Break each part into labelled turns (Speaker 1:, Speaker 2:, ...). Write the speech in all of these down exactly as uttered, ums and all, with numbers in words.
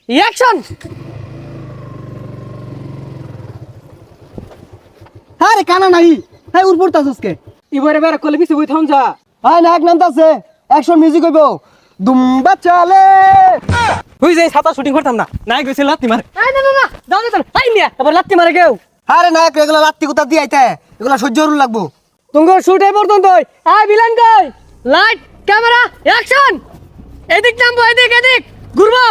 Speaker 1: Action.
Speaker 2: আরে কানা নাই হ্যাঁ উড় পড়তাছস কে
Speaker 1: ইবারে বের করলে পিছে বই থাম যা।
Speaker 2: হ্যাঁ নাক নামতাছে অ্যাকশন মিউজিক হইব দুম্বা চালে
Speaker 1: হই যাই ছাতা শুটিং করতাম না নাই কইছে লাত্তি মারে। এই না না না দাও দাও আই মিয়া আবার লাত্তি মারে কেউ।
Speaker 2: আরে নায়ক এগুলা লাত্তি কুতা দিয়ে আইতে এগুলা সহ্য করুন লাগবো
Speaker 1: তোমার শুট এই পর্যন্ত আই ভিলেন কই লাইট ক্যামেরা অ্যাকশন। এদিক নামবো এদিক এদিক ঘুরবো।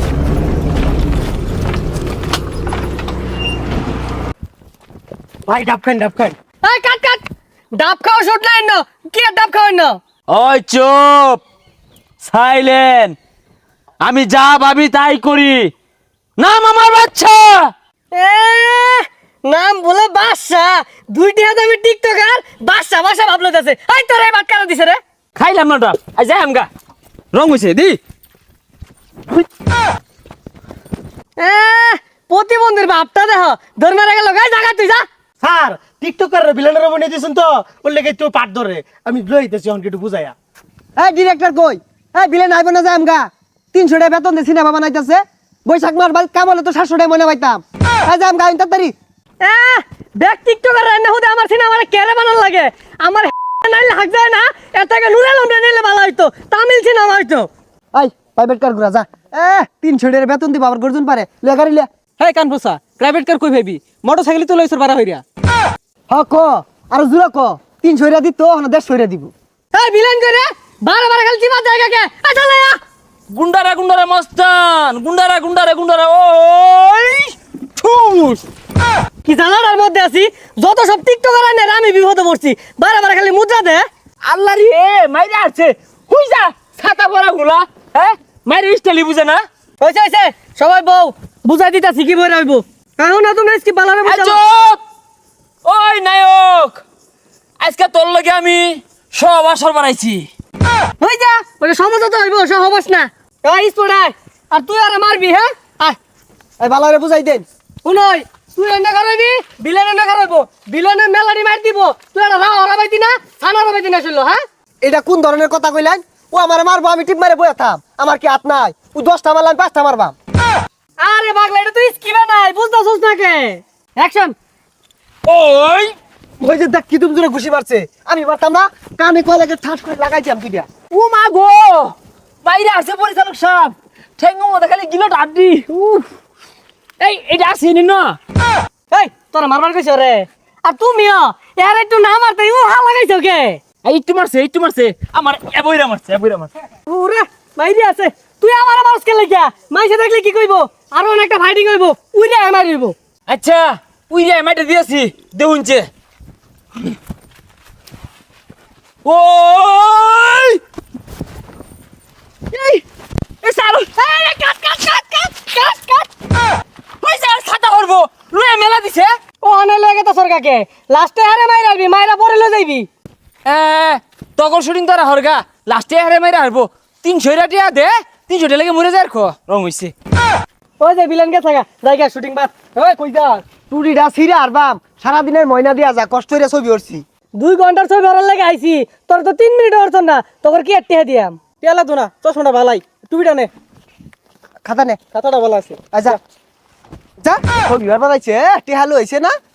Speaker 2: ভাই ডাব খান ডাব খান
Speaker 1: এই কাট কাট ডাব খাও শুট নাই না কি আর ডাব খাওয়াই না।
Speaker 3: ওই চুপ সাইলেন্ট আমি যা ভাবি তাই করি নাম আমার বাচ্চা
Speaker 1: এ নাম বলে বাদশা দুইটি হাতে আমি টিকটকার বাদশা বাদশা ভাবলো যাচ্ছে এই তোরে বাট কারা দিছে রে।
Speaker 3: খাইলাম না ডাব আই যাই আমগা রং হইছে দি
Speaker 1: এ প্রতিবন্ধীর বাপটা দেখ ধর মারা গেল গাই জায়গা তুই যা।
Speaker 2: স্যার টিকটকার ভিলেনের বনে দিছেন তো বললে কি তুই পাট ধরে আমি লইতেছি অন কিছু বুঝাইয়া এই ডিরেক্টর কই এই ভিলেন আইব না যায় আমগা তিনশো টাকা বেতন দিয়ে সিনেমা বানাইতাছে বৈশাখ মাস বাই কাম হলে তো সাতশো টাকা মনে পাইতাম এই যে আমগা ইন্টার তারি
Speaker 1: এ দেখ টিকটকার রান্না হতে আমার সিনেমা আমার কেরে বানান লাগে আমার নাইলে হাক যায় না এটাকে নুরে লুমরে নিলে ভালো হইতো তামিল সিনেমা হইতো।
Speaker 2: এই প্রাইভেট কার ঘুরা যা এ তিনশো টাকা বেতন দিব আবার গর্জন পারে লে গাড়ি লে
Speaker 1: হেই কানফুসা প্রাইভেট কার কই ভাবি মোটরসাইকেল তো লইছর বাড়া হইরা।
Speaker 2: হ ক আর জুরা ক তিনশো টাকা দিত না দেড়শো টাকা দিব
Speaker 1: এই ভিলেন করে বারে বারে খালি চিমা জায়গা কে এই চলে আ
Speaker 3: গুন্ডারা গুন্ডারা মস্তান গুন্ডারা গুন্ডারা গুন্ডারা ওই ঠুস
Speaker 1: কি জানার মধ্যে আছি যত সব টিকটকার আইনে আমি বিপদে পড়ছি বারে বারে খালি মুদ্রা দে।
Speaker 3: আল্লাহ রে মাইরে আসছে হুই যা ছাতা পরা গুলা হ্যাঁ মাইরে স্টাইলি বুঝে না
Speaker 1: হইছে হইছে সবাই বউ বুঝাই দিতাছি কি বই রাখবো এখন না তুমি কি বালারে
Speaker 3: এই
Speaker 1: বুঝাবো।
Speaker 3: চুপ ওই নায়ক আজকে তোর লগে আমি সব আসর বানাইছি
Speaker 1: হই যা ওটা সমাজ তো হইব সহবাস না এই স্পোর্টাই আর তুই আর মারবি হ্যাঁ আয়
Speaker 2: এই বালারে বুঝাই দেন
Speaker 1: শুনই তুই এন্ডা করাবি বিলেন এন্ডা করাবো বিলেনের মেলারি মার দিব তুই আর রাও হরাবাইতি না ছানা হরাবাইতি না শুনলো হ্যাঁ।
Speaker 2: এটা কোন ধরনের কথা কইলেন ও আমার মারবো আমি টিপ মারে বইয়া থাম আমার কি হাত নাই ও দশটা মারলাম পাঁচটা মারবাম
Speaker 1: আরে পাগলা এটা তুই স্কিমে নাই বুঝতাছস না কে অ্যাকশন।
Speaker 3: ওই
Speaker 2: ওই যে দেখ কি তুমি জোরে ঘুষি মারছে আমি মারতাম না কানে কলাকে ঠাস করে লাগাইছিলাম দুইটা
Speaker 3: ও মা গো বাইরে আসছে পরিচালক সাহেব ঠেঙ্গো মধ্যে খালি গিলো ডাড্ডি উফ এই এটা আসছে নি না
Speaker 1: এই তোরা মারবার কইছ রে আর তুমিও এর একটু না মারতে ও হা লাগাইছো কে।
Speaker 3: এই একটু মারছে একটু মারছে আমার এবইরা মারছে এবইরা মারছে
Speaker 1: ওরে মাইরি আছে তুই আমার মারস কে লাগিয়া মাইসে দেখলে কি কইবো আর অনেকটা ফাইটিং হইব উইরে মারিব।
Speaker 3: আচ্ছা উই রে মাইটা দিয়েছি দেউনছে ওই এই এ সারো এই কাট কাট কাট কাট কাট কাট কই যা ছাতা করব লয়ে মেলা দিছে
Speaker 1: ও অনে লাগে তো সরকাকে লাস্টে হারে মাইরাবি মাইরা পরে লই যাইবি।
Speaker 3: এ তখন শুটিং তোরা হরগা লাস্টে হারে মাইরা হারবো তিনশো টাকা দে তিনশো টাকা লাগে মরে যায় খো রং হইছে
Speaker 1: ওই যে বিলেন কে থাকা জায়গা শুটিং বাদ ওই কই যা
Speaker 2: টুরিটা ছিঁড়ে আরবাম সারাদিনের ময়না দিয়া যা কষ্ট হইরা ছবি উঠছি
Speaker 1: দুই ঘন্টার ছবি ভরার লাগে আইছি তোর তো তিন মিনিট অর্থ না তোর কি একটা দিয়াম টেলা তো না চশমাটা ভালাই টুপিটা নে
Speaker 2: খাতা নে
Speaker 1: খাতাটা ভালো আছে।
Speaker 2: আচ্ছা যা ছবি আর বানাইছে টেহালু হইছে না